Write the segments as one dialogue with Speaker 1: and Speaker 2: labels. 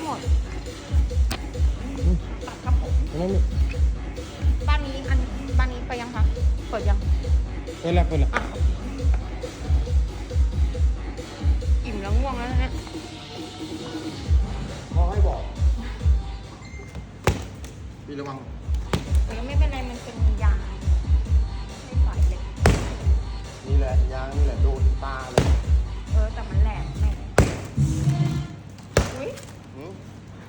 Speaker 1: หมดตัดครับผม
Speaker 2: นั่นนี่
Speaker 1: บ้านนี้ไปยังคะเปิดยัง
Speaker 2: เปิดละเปิดละ
Speaker 1: อ่ะอิ่มแล้วง่วงแล้วนะ
Speaker 2: เขาให้บอกพี่ระวัง
Speaker 1: แต่ก็ไม่เป็นไรมันเป็นยางไม่สายเล็ก
Speaker 2: นี่แหละยางนี่แหละโดนตาเลย
Speaker 1: แต่มันแหลมแม่อุ้ย
Speaker 2: หืม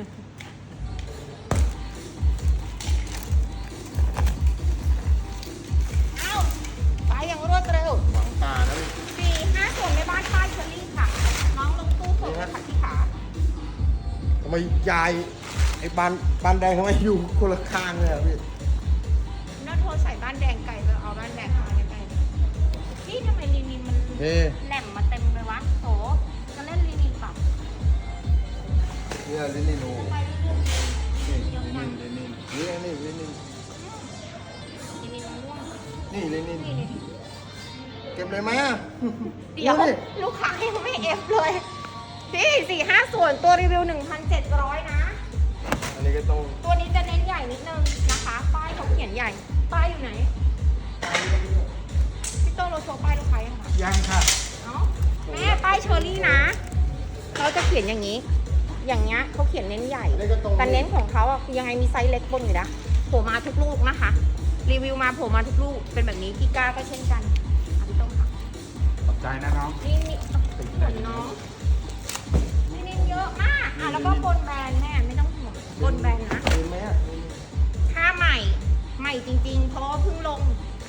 Speaker 1: เอ้าไปอย่างรวดเร็ว
Speaker 2: หวังตานะพี่
Speaker 1: 4-5 ส่วนในบ้านป้ายเชอรี่ค่ะ น้องลงตู้ส่งเลยค่ะที่ขา
Speaker 2: ทำไมยายไอ้บานแดงทำไมอยู่คนละข้างเลยอะพี่
Speaker 1: น่าโทรใส่บ้านแดงไก่ไปเอาบ้านแดงมาใกล้ๆนี่ทำไมลีนินมัน
Speaker 2: เฮ้
Speaker 1: แหลมมาเต็มเลยวะโถจะเล่นลีนินต่อ
Speaker 2: เนี่ยลินินโอ
Speaker 1: ไปเรื่อย
Speaker 2: นี่
Speaker 1: ๆเยอะ
Speaker 2: ลิ
Speaker 1: จั
Speaker 2: นิ
Speaker 1: ง
Speaker 2: นลินินนี่ลินิน
Speaker 1: ลีนินมันร่วง
Speaker 2: นี่ลินิน
Speaker 1: นี่
Speaker 2: เก็บเลยไหมอะ
Speaker 1: เดี๋ยว
Speaker 2: นี่
Speaker 1: ลูกค้ายังไม่เอฟเลยพี่4-5 ส่วนตัวรีวิว 1,700 นะ
Speaker 2: อันนี้ก็ต้อง
Speaker 1: ตัวนี้จะเน้นใหญ่นิดนึงนะคะ ป้ายเขาเขียนใหญ่ ป้ายอยู่ไหน พี่โต้เราโชว์ป้ายลูกค้ายังคะ
Speaker 2: ยังค่ะ
Speaker 1: เนาะแม่ป้ายเชอรี่นะเขาจะเขียนอย่างนี้ อย่างเงี้ยเขาเขียนเน้นใหญ่
Speaker 2: อันนี้ก็ตรง
Speaker 1: แต่เน้นของเขาอะคือยังไงมีไซส์เล็กบนอยู่นะโผล่มาทุกลูกนะคะ รีวิวมาโผล่มาทุกลูก เป็นแบบนี้กีก้าก็เช่นกันอ่ะพี่โต้งค่ะ
Speaker 2: ขอบใจนะน้อง
Speaker 1: นี่ขนน้องนี่เยอะมากอ่ะแล้วก็บนแบรนด์แม่ไม่ต้องห่วงบนแบรนด์นะ
Speaker 2: เห็นไหมอะ
Speaker 1: ถ้าใหม่ ใหม่จริงๆ เพราะว่าเพิ่งลง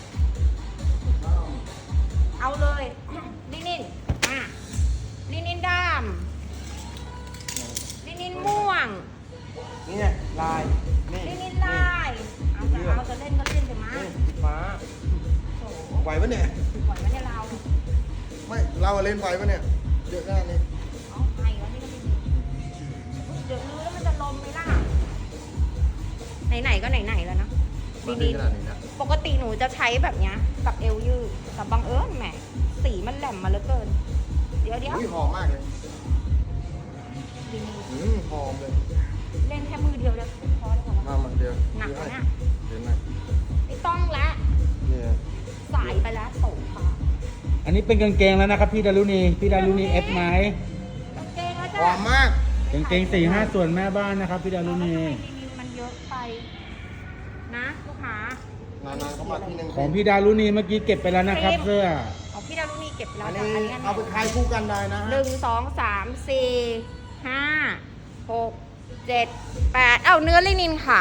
Speaker 1: เอาเลยลินินลินินดำลินินม่วง
Speaker 2: นี่ไงลาย นี่
Speaker 1: ลินินลายเอาจะเล่นก็เล่นไปมา
Speaker 2: นี่สีฟ้า
Speaker 1: โอ้โห
Speaker 2: ไหวปะเนี่ย
Speaker 1: ไหวไหมเนี่ยเรา
Speaker 2: ไม่เราเล่นไหวปะเนี่ยเยอะหน้านี่
Speaker 1: เอาไอ้แล้วนี่ก็ไม่ดีเดี๋ยวลื้อแล้วมันจะลมไหมล่ะ ไหนๆก็ไหนๆแล้วนะ
Speaker 2: มา
Speaker 1: ลิ
Speaker 2: ดี
Speaker 1: นิน
Speaker 2: ขนาดนี้นะ
Speaker 1: ปกติหนูจะใช้แบบเนี้ยกับเอวยืดแต่บังเอิญแหมสีมันแหลมมาเหลือเกิน เดี๋ยว
Speaker 2: อุ้ยหอมมากเลย
Speaker 1: ลินิน
Speaker 2: หอมเลย
Speaker 1: เล่นแค่มือเดียวแล้วพอแล้วเหรอ
Speaker 2: มาเดียว
Speaker 1: หนักนะ
Speaker 2: เดี๋ยวนะ
Speaker 1: ไม่ต้องละ
Speaker 2: เนี่ย
Speaker 1: สายไปแล้วโสค่ะ
Speaker 3: อันนี้เป็นกางเกงแล้วนะครับพี่ดารุณีพี่ดารุณีเอฟไหม
Speaker 1: กางเกงแล้ว
Speaker 2: ห
Speaker 1: จ้ะ
Speaker 2: อมมาก
Speaker 3: กางเกง4-5 ส่วนแม่บ้านนะครับพี่ดารุณี
Speaker 1: รีวิวมันเยอะไปนะลูกค้าน
Speaker 2: านๆเขามาทีนึง
Speaker 3: ของพี่ดารุณีเมื่อกี้เก็บไปแล้วนะครับเสื้อ
Speaker 1: ของพี่ดารุณีเก็บไปแล้
Speaker 2: อั
Speaker 1: วน จ้ะ
Speaker 2: นี้
Speaker 1: อันนี้
Speaker 2: เอาไปขายคู่กันได้นะ
Speaker 1: หนึ่งสองสามสี่ห้าหกเจ็ดแปดเอาเนื้อลินินค่ะ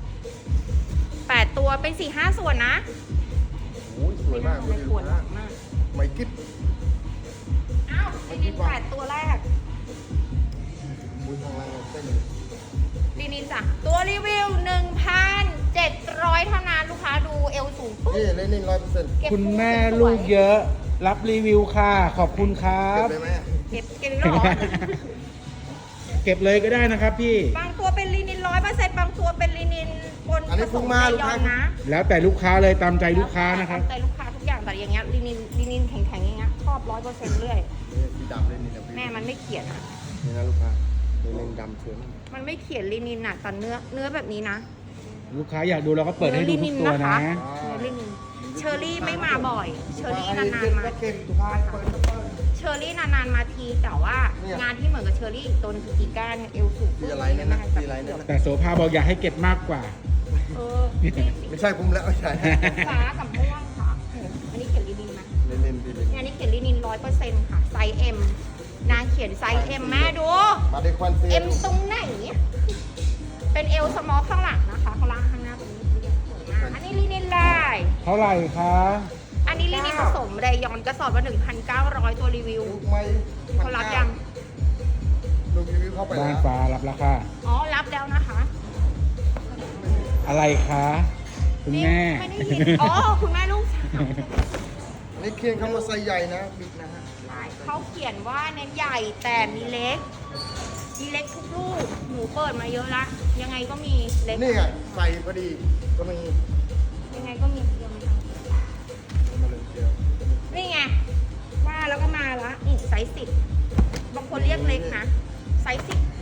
Speaker 1: 8 ตัวเป็น4-5 ส่วนนะ
Speaker 2: โอ้ยสวยมาก
Speaker 1: ไม่ปวดหลังมาก
Speaker 2: ไม่กิ๊บ
Speaker 1: อ้าวลินิน8 ตัวแรก
Speaker 2: อุ้ยทางล่างเส้น
Speaker 1: ลินินจ้ะตัวรีวิว 1,700 เท่านั้นลูกค้าดูเอวสูงปุ๊บ
Speaker 2: นี่เล่นนิ่ง100%
Speaker 1: เก็บ
Speaker 3: คุณแม่
Speaker 1: สวย
Speaker 3: ลูกเยอะ รับรีวิวค่ะ ขอบคุณครั
Speaker 2: เก็บบ เลยไหม
Speaker 1: เก็บอีกแล้วเหรอ
Speaker 3: เก็บเลยก็ได้นะครับพี่
Speaker 1: บางตัวเป็นลินิน100%บางตัวเป็นลินินบน
Speaker 2: อันนี้
Speaker 1: ผส
Speaker 2: พุ่ง
Speaker 1: ม
Speaker 2: มา
Speaker 1: ไซ
Speaker 2: ลูก
Speaker 1: ยอ
Speaker 2: ค้า
Speaker 1: นนะ
Speaker 3: แล้วแต่ลูกค้าเลยตามใจลูกค้านะครับ
Speaker 1: ใจลูกค้าทุกอย่างแต่อย่างเงี้ยลินินแข็งๆอย่างเงี้ยชอบ100%เรื่อย
Speaker 2: นี่สีดำเล่นนี่นะพี่
Speaker 1: แม่มันไม่เขียนอ่ะ
Speaker 2: นี่นะลูกค้านี่เล่นดำสวยมาก
Speaker 1: มันไม่เขียนลินินอ่ะแต่เนื้อแบบนี้นะ
Speaker 3: ลูกค้าอยากดูเราก็เปิดให้ดูทุกตัวนะ
Speaker 1: เนื้อลินินเชอรี่ไม่มาบ่อย เชอรี่นานๆมา
Speaker 2: เก็บทุกท้ายเปิดก็เปิด
Speaker 1: เชอรี่นานๆมาทีแต่ว่า
Speaker 2: เนี่ย
Speaker 1: งานที่เหมือนกับเชอรี่อีกตัวนึงคือกีก้าเนี่ยเอวสูง
Speaker 2: สีอะไรเนี่ยนะสีอะไรเนี่ยนะ
Speaker 3: แต่โสภาบอกอยากให้เก็บมากกว่า
Speaker 1: เออนี่สี
Speaker 2: ไม่ใช่ผมแล้วไม่ใช่
Speaker 1: ฟ้ากับม่วงค่ะ อันนี้เขียนลินินไหม
Speaker 2: เล่นพี่เล่น
Speaker 1: เนี่ยอันนี้เขียนลินิน100%ค่ะไซส์ M นางเขียนไซส์ M แม่ดู
Speaker 2: มาได้ควันเสีย
Speaker 1: M ตรงไหน เป็นเอลสมอลข้างหลังนะคะข้างล่างข้างหน้าตรงนี้สวยมากอันนี้ลินินลาย
Speaker 3: เท่าไหร่คะ
Speaker 1: อันนี้ลินินผสมเรยอนกระสอบละ1,900 ตัวรีวิว
Speaker 2: ลูกไม่
Speaker 1: เขารับยัง
Speaker 2: ลูกรีวิวเข้าไป
Speaker 3: บ้า
Speaker 2: แล้
Speaker 3: น
Speaker 2: ว
Speaker 3: ฟ้ารับราคา
Speaker 1: อ๋อ รับแล้วนะคะ
Speaker 3: อะไรคะคุณแม่
Speaker 1: ไม่ได้ยินอ๋อ คุณแม่ลูกสาว
Speaker 2: นี่เคียงคำว่าไซส์ใหญ่นะบิ๊กนะฮะ
Speaker 1: ใช่เขาเขียนว่าเน้นใหญ่แต่มีเล็ก มีเล็กทุกลูก หนูเปิดมาเยอะละ ยังไงก็มีเล็ก
Speaker 2: นี่ไงใส่พอดีก็มี
Speaker 1: ยังไงก็มีเดียวนะคะ
Speaker 2: มาเลยเดียว
Speaker 1: นี่ไง ว่าแล้วก็มาละนี่ไซส์10บางคนเรียกเล็กนะ ไซส์10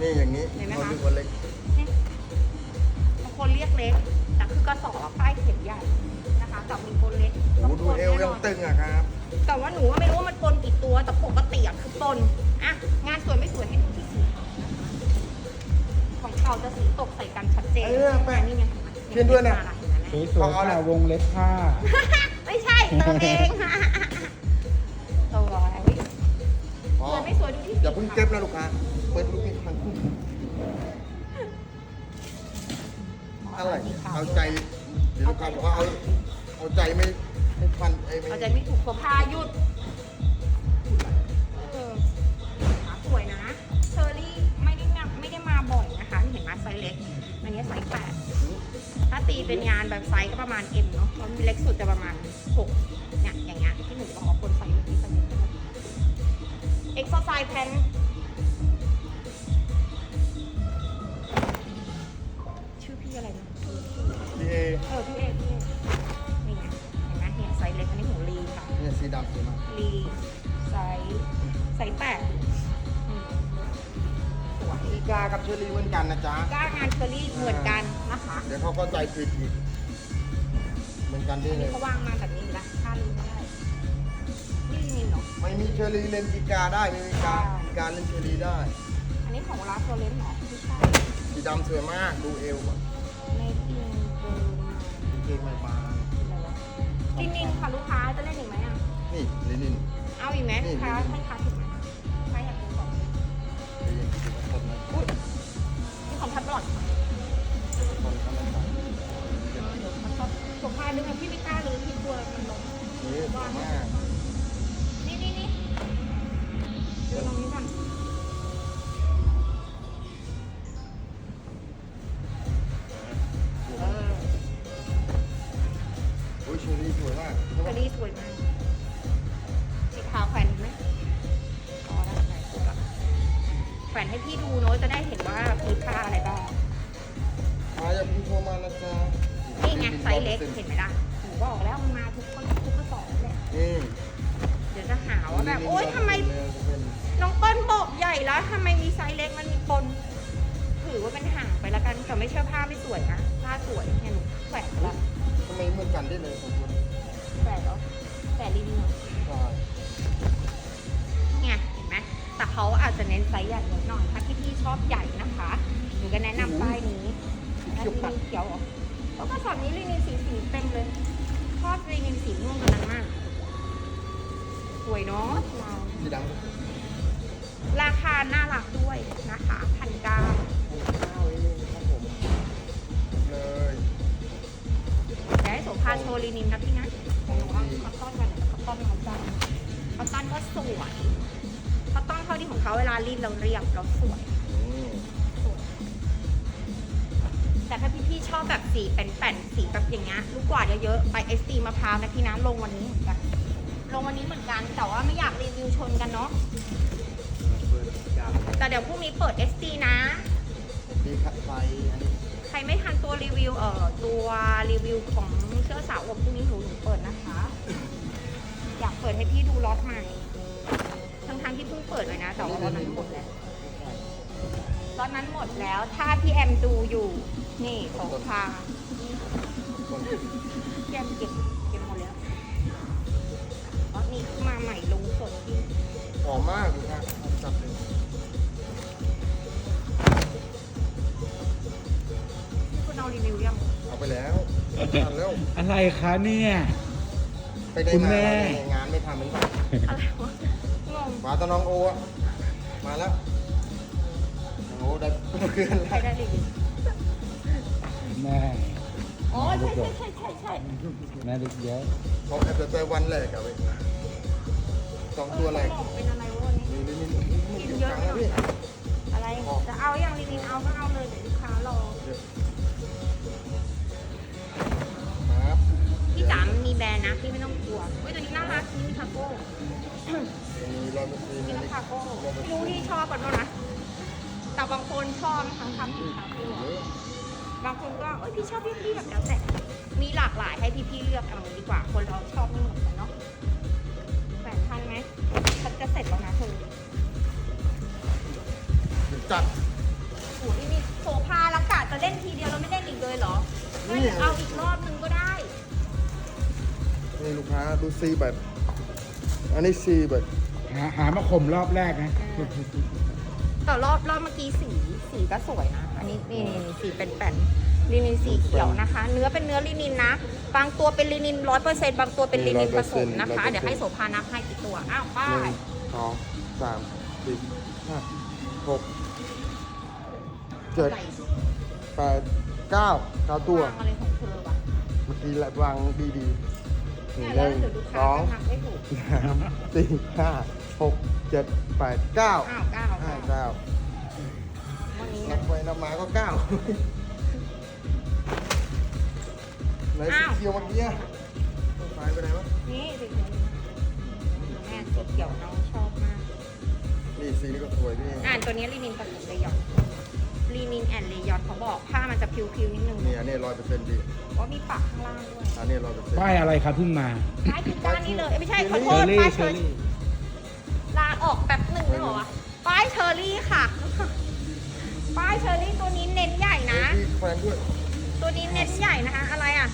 Speaker 2: นี่อย่างนี้
Speaker 1: เห็นไหม
Speaker 2: เขา
Speaker 1: คะ
Speaker 2: เรียกว่าเล็ก
Speaker 1: เนี่ยบางคนเรียกเล็ก แต่คือกระสอบป้ายเข็มใหญ่นะคะแต่มีคนเล็ก
Speaker 2: โอ้โหดูเอวยังตึงอะครับ
Speaker 1: แต่ว่าหนูว่าไม่รู้ว่ามันปนกี่ตัว แต่ปกติอะคือปนอ่ะงานสวยไม่สวยให้ดูที่สีขาวนะคะของเขาจะสีตกใส่กันชัดเจน
Speaker 2: แป้ง
Speaker 1: นี่ไง
Speaker 2: เขียนด้วยนะ
Speaker 3: สวยๆค่ะวงเล็บผ้า
Speaker 1: ไม่ใช่เติมเองตัวอะไร
Speaker 2: อ๋อ
Speaker 1: สวยไม่สวยดูที่
Speaker 2: อย่าเพิ่งเก็บนะลูกค้าเปิดลูกนี่มันอะไรเนี่ยเอาใจเดี๋ยวลูกค้าบอกว่าเอาใจไม่พันไม่
Speaker 1: เอาใจไม่ถูกตัวผ้าหยุดขาสวยนะเชอรี่ไม่ได้มาบ่อยนะคะเห็นไหมไซส์เล็กอันนี้ไซส์8ถ้าตีเป็นงานแบบไซส์ก็ประมาณ M เนาะเพราะเล็กสุดจะประมาณ6เนี่ยอย่างเงี้ยที่หนูบอกว่าคนใส่ที่ใส่เอ็กซ์ไซส์แพนชื่อพี่อะไรนะ
Speaker 2: พี่เอ
Speaker 1: พี่เอกนี่ไงเห็นไหมเนี่ยไซส์เล็กอันนี้ของลีค่ะ
Speaker 2: เนี่ยสีดำสวยมาก
Speaker 1: ลีไซส์8สวย
Speaker 2: อีกากับเชอรี่เหมือนกันนะจ๊ะ
Speaker 1: ก้างานเชอรี่เหมือนกันนะคะ
Speaker 2: เดี๋ยวเขาก็ใจผิดอีกเหมือนกันได้
Speaker 1: อัน
Speaker 2: เล
Speaker 1: นี้
Speaker 2: ย
Speaker 1: เขาวางมาแบบนี้ละค่าลืมไม่ได้นี่ลินินเหรอ
Speaker 2: ไม่มีเชอรี่เล่นอีกาได้ไม่มีอีกาเล่นเชอรี่ได้
Speaker 1: อันนี้ของร้านโซเลนเหรอไม่ใช่
Speaker 2: สีดำสวยมากดูเอวอ่ะ
Speaker 1: ในอินเบอร์
Speaker 2: เกงไม่บาง
Speaker 1: ลินินค่ะลูกค้าจะเล่นอีกไหมอ่ะ
Speaker 2: นี่ลินิน
Speaker 1: เอาอีกไหมลูกค้าให้ค้าถึงไหมค้าอยากดูก่อน
Speaker 2: เดี๋ยวยังดูคนนะ
Speaker 1: อุ้ยนี่ของทับหลอด
Speaker 2: คนเขาไม่ใส่
Speaker 1: เดี๋ยวมันชอบผมพาดึงพี่ไม่กล้าเลยพี่กลัวมันล้ม
Speaker 2: นี่สวยมาก
Speaker 1: นี่เดี๋ยวลองนี้ก่อนเออ
Speaker 2: โอ้ยเชอรี่สวยมาก
Speaker 1: อันนี้สวยมากสีขาวแขวนไหมอ๋อได้ไหนถูกละแขวนให้พี่ดูเนอะจะได้เห็นว่ามีผ้าอะไรบ้าง
Speaker 2: อย่าเพิ่งโทรมานะจ๊ะ
Speaker 1: นี่ไงไซส์เล็กเห็นไหมล่ะหนูบอกแล้วมันมาทุกกระสอบเลย
Speaker 2: นี่
Speaker 1: เดี๋ยวจะหาว่าแบบโอ๊ยทำไมน้องเปิ้ลบอกใหญ่แล้วทำไมมีไซส์เล็กมันมีปนถือว่าเป็นห่างไปละกันแต่ไม่ใช่ผ้าไม่สวยนะผ้าสวยเนี่ยหนูแขวนแล้ว
Speaker 2: ทำไมเหมือนกันได้เลยสองคน
Speaker 1: แขวนแล้วแต่รีวิว
Speaker 2: ใช่
Speaker 1: เนี่ยเห็นไหมแต่เขาอาจจะเน้นไซส์ใหญ่นิดหน่อยถ้าพี่ๆชอบใหญ่นะคะหนูก็แนะนำป้ายนี้อันนี้เขียวเหรอก็กระสอบนี้ลีนินสีเต็มเลยชอบลีนินสีม่วงกันมากสวยเนาะเรา
Speaker 2: สีดำก็สวย
Speaker 1: ราคาน่ารักด้วยนะคะ1,900
Speaker 2: ข้าวเองครับผมเลย
Speaker 1: แต่ให้โสภาโชว์ลีนินนะพี่นะของหนูเอาคอตตอนกันคอตตอนของจันคอตตอนก็สวยคอตตอนเท่าที่ของเขาเวลารีดเราเรียบเราสวย แต่ถ้าพี่ๆชอบแบบสีเป็นแป่นสีแบบอย่างเงี้ยลูกกวาดเยอะๆไปเอสตีมะพร้าวนะพี่น้ำลงวันนี้เหมือนกันลงวันนี้เหมือนกันแต่ว่าไม่อยากรีวิวชนกันเนาะแต่เดี๋ยวพรุ่งนี้เปิด SD นะ
Speaker 2: ดีขัดไฟอันนี้
Speaker 1: ใครไม่ทันตัวรีวิวตัวรีวิวของเสื้อสาวอบพรุ่งนี้หนูเปิดนะคะ อยากเปิดให้พี่ดูล็อตใหม่ทั้งที่เพิ่งเปิดเลยนะแต่ว่าล็อตนั้นหมดแล้วล็อตนั้นหมดแล้วถ้าพี่แอมดูอยู่นี่ของพา
Speaker 2: คน
Speaker 1: พี่แอมเก็บหมดแล้วล็อตนี้มาใหม่ลงสดที่
Speaker 2: หอมมากดูค่ะจับเลย
Speaker 1: คุณเอารีวิวยัง
Speaker 2: เอาไปแล้วทันแล้ว
Speaker 3: อะไรคะเนี่ย
Speaker 2: ไปได้
Speaker 3: คุณ
Speaker 2: มา
Speaker 3: แม่
Speaker 2: งานไม่ทำเหมือนกัน
Speaker 1: อะไรวะงง
Speaker 2: มาตอนน้องโออะมาแล้วน้องโอได้เพื่อน
Speaker 1: ใคร
Speaker 2: แล้ว
Speaker 1: ได้รีวิว
Speaker 3: แม่
Speaker 1: อ๋อใช่
Speaker 3: แม่เด็กเยอะ
Speaker 2: เขาแอบแต่วันแรกอะเว้ยสองตัวแรก
Speaker 1: เป็นอะไรวะวันนี้
Speaker 2: นี่มันอยู่กลางแล้วพี่
Speaker 1: อะไรจะเอาอย่างลินินเอาก็เอาเลยเดี๋ยวลูกค้ารอ
Speaker 2: ครับ
Speaker 1: พี่จ๋ามีแบรนด์นะพี่ไม่ต้องกลัวเฮ้ยตัวนี้น่ารักนี่มีคาโก้
Speaker 2: มี100%อัน
Speaker 1: นี่
Speaker 2: นี้
Speaker 1: ก็คาโก้ไม่รู้ที่ชอบกันบ้างนะแต่บางคนชอบทั้งคำสีคาโก้บางคนก็เอ้ยพี่ชอบพี่แบบแล้วแต่มีหลากหลายให้พี่เลือกเอาดีกว่าคนเราชอบไม่เหมือนกันเนาะแฝงทันไหมฉันจะเสร็จแล้วนะเธอ
Speaker 2: เดี๋ยวจัด
Speaker 1: จะเล่นทีเดียวเราไม่เล่นอีกเลยเหรอถ้าอยากเอาอีกรอบนึงก็ได้
Speaker 2: นี่ลูกค้าดูซีแบบ อันนี้ซีแบบ
Speaker 3: หามาข่มรอบแรกนะ
Speaker 1: แต่รอบเมื่อกี้สีก็สวยนะ อันนี้นี่สีเป็นแป้นลินินสีเขียวนะคะ เนื้อเป็นเนื้อลินินนะ บางตัวเป็นลินิน100%บางตัวเป็นลินินผสมนะคะ เดี๋ยวให้โสภานับให้กี่ตัว อ้าวป้า
Speaker 2: หนึ่
Speaker 1: ย
Speaker 2: งสองสามสี่ห้าหกเจ็ดแปดเก้าตัว
Speaker 1: วางอะไรของเธอวะ
Speaker 2: เมื่อกี้ละวางดีๆห
Speaker 1: เนี่ย
Speaker 2: นึ่
Speaker 1: แล้ว
Speaker 2: ง
Speaker 1: เดี๋ยวลูก
Speaker 2: ส
Speaker 1: ค้า
Speaker 2: อง
Speaker 1: จะนับไม่ถูก
Speaker 2: สามสี่ห้าหกเจ็ดแปดเก้า
Speaker 1: อ้าวเก้า
Speaker 2: เก้า
Speaker 1: วันนี้
Speaker 2: นั
Speaker 1: นะ
Speaker 2: บไปนับมาก็เก้าไหนสีเขียวเมื่อกี้อะหายไปไหนวะ
Speaker 1: นี่สีเขียวแม่สีเขียวน้องชอบมาก
Speaker 2: นี่สีนี้ก็สวยพี่
Speaker 1: ตัวนี้ลินินผสมเลยอนลีนินแอนเลยอนเขาบอกผ้ามันจะพิวๆนิดนึง
Speaker 2: นี่อันนี้100%ดี
Speaker 1: ว่ามีปักข้างล่างด้วย
Speaker 2: อันนี้100%
Speaker 3: ป้ายอะไรครับเพิ่งมา
Speaker 1: ป้ายคือก้านนี้เลยไม่ใช่ขอโท
Speaker 3: เชอ
Speaker 1: ษ
Speaker 3: รี่
Speaker 1: ป้าย
Speaker 3: เช
Speaker 1: เช
Speaker 3: อ
Speaker 1: อ
Speaker 3: รี่
Speaker 1: รี่ลาออกแป๊บหนึ่งได้เหรอวะป้ายเชอรี่ค่ะ ป้ายเชอรี่ตัวนี้เน้นใหญ่นะ
Speaker 2: มีแฟนด้วย
Speaker 1: ตัวนี้เน้นใหญ่นะคะ อะไรอ่ะ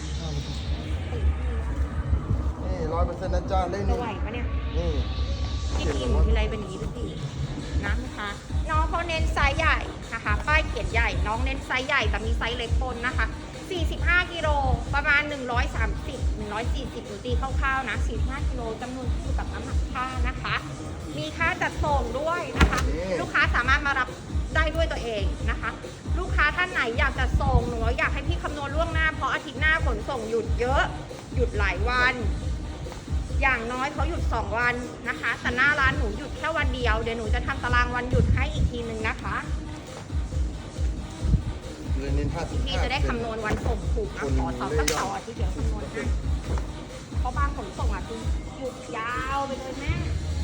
Speaker 2: นี่100%นะจ๊ะเล่น
Speaker 1: จะ
Speaker 2: นี่
Speaker 1: ไหวปะเนี่ย
Speaker 2: นี่
Speaker 1: กินอิ่มทีไรเป็นอย่างนี้ทุกทีนะคะน้องเขาเน้นไซส์ใหญ่นะคะ ป้ายเขียนใหญ่ น้องเน้นไซส์ใหญ่แต่มีไซส์เล็กปนนะคะ 45 กิโลประมาณ 130 140หนูตีคร่าวๆนะ 45 กิโลจำนวนขึ้นอยู่กับน้ำหนักผ้านะคะ มีค่าจัดส่งด้วยนะคะ ลูกค้าสามารถมารับได้ด้วยตัวเองนะคะ ลูกค้าท่านไหนอยากจะส่งหนูอยากให้พี่คำนวณล่วงหน้าเพราะอาทิตย์หน้าขนส่งหยุดเยอะ หยุดหลายวัน อย่างน้อยเขาหยุด2วันนะคะ แต่หน้าร้านหนูหยุดแค่วันเดียว เดี๋ยวหนูจะทำตารางวันหยุดให้อีกทีนึงนะคะ
Speaker 2: เลนิน55
Speaker 1: พี่จะได้คำนวณวันส่งถูกนะขอเสาร์สักเสาร์อาทิตย์เดี๋ยวคำนวณให้เพราะบางขนส่งอ่ะคือหยุดยาวไปเลยแม่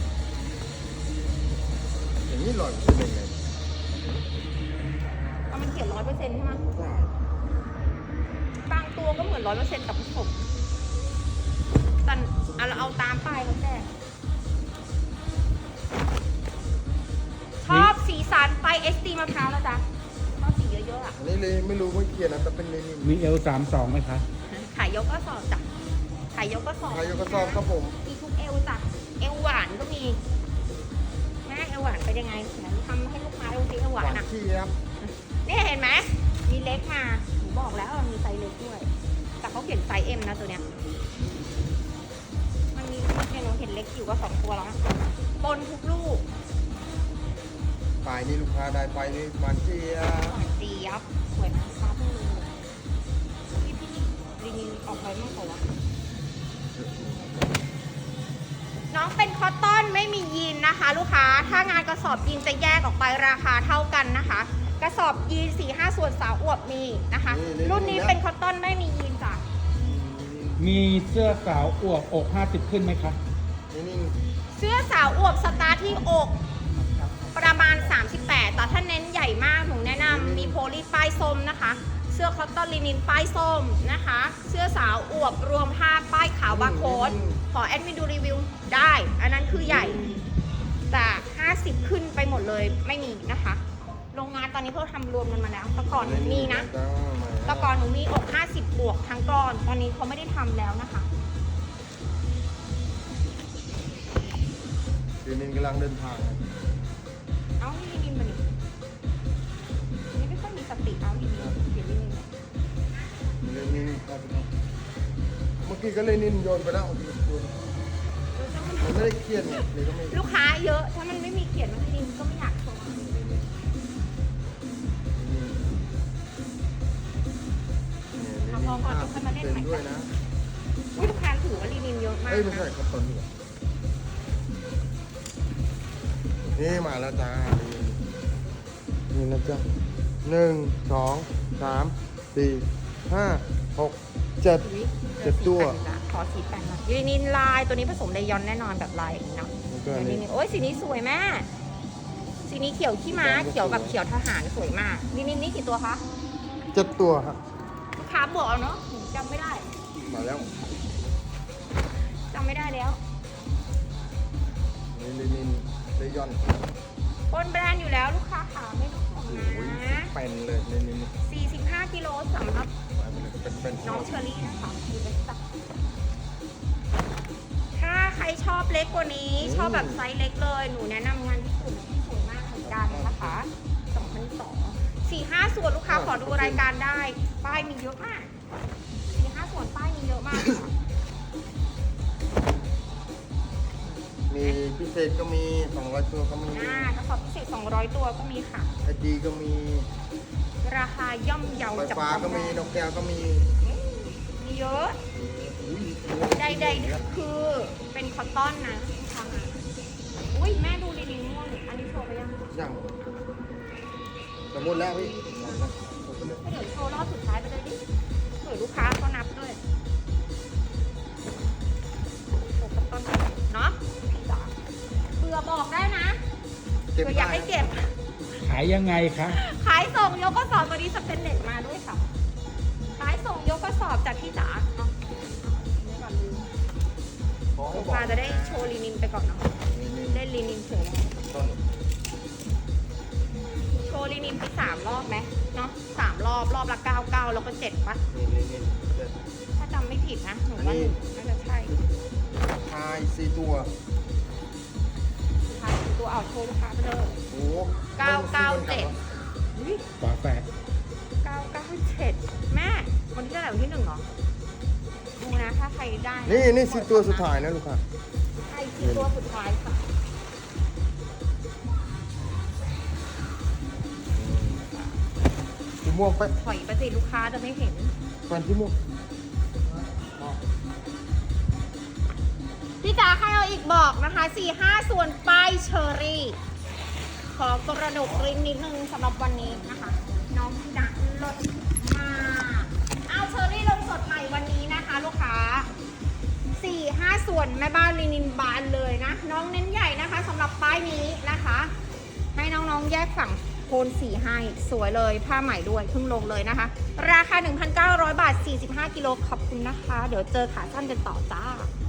Speaker 2: อย่างนี้100%ยังไง
Speaker 1: เอามันเขียน100%ใช่ไหมบางตัวก็เหมือน100%แต่ผสมแต่เราเอาตามป้ายเขาแจ้งชอบสีสันไปSD มะพร้าวนะจ๊ะชอบสีเยอะๆอ่ะ
Speaker 2: อันนี้เลยไม่รู้ไม่เขียนนะแต่เป็นเลนิน
Speaker 3: มีL32ไหมคะ
Speaker 1: ขายยกก็สอบจ้ะขายยกก็สอบ
Speaker 2: ใครยกกระสอบครับผม
Speaker 1: มีทุกเอวจ้ะเอวหวานก็มีแม่เอวหวานเป็นยังไงไหนทำให้ลูกค้าดูสิเอวหวานอ่ะ
Speaker 2: ขี้ครับ
Speaker 1: นี่เห็นไหมมีเล็กมาหนูบอกแล้วมีไซส์เล็กด้วย แต่เขาเขียนไซส์ M นะตัวเนี้ยมันมีเนี่ยหนูเห็นเล็กอยู่ก็2ตัวแล้วนะปนทุกลูก
Speaker 2: ปลายนี่ลูกค้าได้ไปนี่มันเจีย
Speaker 1: หวานเจี๊ยบสวยนะคะเพิ่งรู้พี่รีนิวออกไปมากกว่าวะน้องเป็นคอตตอนไม่มียีนนะคะ ลูกค้าถ้างานกระสอบยีนจะแยกออกไปราคาเท่ากันนะคะ กระสอบยีน 4-5 ส่วนสาวอวบมีนะคะ รุ่นนี้เป็นคอตตอนไม่มียีนจ้ะ
Speaker 3: มีเสื้อสาวอวบอก50ขึ้นไหมคะ
Speaker 2: นี่
Speaker 1: เสื้อสาวอวบสตาร์ทที่อกประมาณ 38 แต่ถ้าเน้นใหญ่มากหนูแนะนำมีโพลีป้ายส้มนะคะ เสื้อคอตตอนลินินป้ายส้มนะคะ เสื้อสาวอวบรวมผ้าป้ายขาวบาร์โค้ดขอแอดมินดูรีวิวได้ อันนั้นคือใหญ่จาก50 ขึ้นไปหมดเลยไม่มีนะคะ โรงงานตอนนี้เพิ่งทำรวมกันมาแล้วแต่ก่อนหนูมีนะแต่ก่อนหนูมีอก50 บวกทั้งก้อนตอนนี้เขาไม่ได้ทำแล้วนะคะ
Speaker 2: เลนินกำลังเดินทาง
Speaker 1: เอ้านี่ลินินมาดินี่ไม่ค่อยมีสติเอาลินินเขียนลินิน
Speaker 2: เลนินครับเมื่อกี้ก็เลนินโยนไปแล้วมันไม่ได้เขียนเลยก็ไม่
Speaker 1: ลูกค้าเยอะ ถ้ามันไม่มีเขียนมันลินินก็ไม่อยากโชว์พอก่อนจะค่อยมาเล่นใหม่
Speaker 2: ด้วยนะ
Speaker 1: ลูกค้าถือว่าลินินเยอะมาก
Speaker 2: เอ้ยไม่ใช่
Speaker 1: นะครับ
Speaker 2: ตอนนี้นี่มาแล้วจ้านี่นะจ๊ะ1 2 3 4 5 6 7
Speaker 1: อุ๊ย
Speaker 2: 7 ตัว
Speaker 1: ขอสีแปดหน่อยลินินลายตัวนี้ผสมไดยอนแน่นอนแบบลายอย่างนี้เนาะ
Speaker 2: แล้วก็อัน
Speaker 1: ลิ
Speaker 2: นี้
Speaker 1: นินโอ้ยสีนี้สวยแม่สีนี้เขียวขี้ม้าเขียวแบบเขียวทหารสวยมากลินินนี่กี่ตัวคะ
Speaker 2: 7 ตัวครับ
Speaker 1: ขาบวกเอาเนาะหนูจำไม่ได้
Speaker 2: มาแล้ว
Speaker 1: จำไม่ได้แล้ว
Speaker 2: นี่เลนินเลยอน
Speaker 1: บนแบรนด์อยู่แล้วลูกค้าขาไม่ต้องห่วง
Speaker 2: โอ้ย
Speaker 1: นะ
Speaker 2: เป็นเลยเลนิน
Speaker 1: 45 สำหรับ
Speaker 2: เป็น
Speaker 1: น้องเชอรี่นะคะดูเป็นสักถ้าใครชอบเล็กกว่านี้ ชอบแบบไซส์เล็กเลย หนูแนะนำงานญี่ปุ่นที่สวยมากเหมือนกันนะคะ2002 4-5 ส่วนลูกค้าขอดูรายการได้ ป้ายมีเยอะมาก 4-5 ส่วนป้ายมีเยอะมากค่ะ
Speaker 2: มีพิเศษก็มี200ตัวก็มี
Speaker 1: กระสอบพิเศษ200 ตัวก็มีค่ะ
Speaker 2: ไอดีก็มี
Speaker 1: ราคาย่อมเยา
Speaker 2: ไฟ
Speaker 1: จับ
Speaker 2: ฟ้า
Speaker 1: ต้อง
Speaker 2: ก็มี
Speaker 1: ได้
Speaker 2: นกแก้วก็มี
Speaker 1: มีเยอะ
Speaker 2: อุ้ย
Speaker 1: ใดๆคือเป็นคอตตอนนะค่ะอุ้ยแม่ดูลินินม่วงอันนี้โชว์ไปยัง
Speaker 2: ยังสมมติแล้วพี่
Speaker 1: เดี๋ยวโชว์รอบสุดท้ายไปเลยดิเผื่อลูกค้าเขานับด้วยโชว์คอตตอนเนาะเผื่อบอกได้นะเผื่ออยากให้เก็บ
Speaker 3: ขายยังไงคะ
Speaker 1: ขายส่งยกกระสอบตัวนี้สเปนเน็ตมาด้วยค่ะ ขายส่งยกกระสอบจากพี่จ๋าเนาะนี่ก่อนลืม
Speaker 2: ขอให้
Speaker 1: ลูก
Speaker 2: บอก
Speaker 1: ค้าจะได้โชว์ลินินไปก่อนเนาะ
Speaker 2: นี่
Speaker 1: เล่นลินินเฉยแล้ว
Speaker 2: ต้น
Speaker 1: โชว์ลินินไป3 รอบไหมเนาะ3 รอบ รอบละ 99 แล้วก็ 7ปะ
Speaker 2: นี่เด็ด
Speaker 1: ถ้าจำไม่ผิดนะ หนูว่า
Speaker 2: อันนี้
Speaker 1: น่าจะใช่
Speaker 2: ทาย4ตัว
Speaker 1: สุดท้ายคือตัวเอาโชว์ลูกค้าไปเลย
Speaker 2: โอ้โห
Speaker 1: 997อุ๊ย
Speaker 3: ฝาแฝด
Speaker 1: 997 แม่ วันที่เท่าไหร่วันที่1เหรอ ดูนะ ถ้าใครได้ะ
Speaker 2: นี่4ตัวสุดท้ายนะลูกค้า
Speaker 1: ใช่4 ตัวสุดท้ายค่ะ
Speaker 2: สีม่วงไป
Speaker 1: ถอยไปสิลูกค้าจะไม่เห็น
Speaker 2: แฟนสีม่วง
Speaker 1: พี่จ๋าใครเอาอีกบอกนะคะ 4-5 ส่วนป้ายเชอรี่ ขอกระดกริมนิดนึงสำหรับวันนี้นะคะ น้องพี่ดักลดมากเอาเชอรี่ลงสดใหม่วันนี้นะคะ ลูกค้า 4-5 ส่วนแม่บ้านลินินบานเลยนะ น้องเน้นใหญ่นะคะสำหรับป้ายนี้นะคะ ให้น้องๆแยกฝั่งโคนสีให้สวยเลยผ้าใหม่ด้วยเพิ่งลงเลยนะคะ ราคา 1,900 บาท 45 กิโลขอบคุณนะคะ เดี๋ยวเจอขาสั้นกันต่อจ้า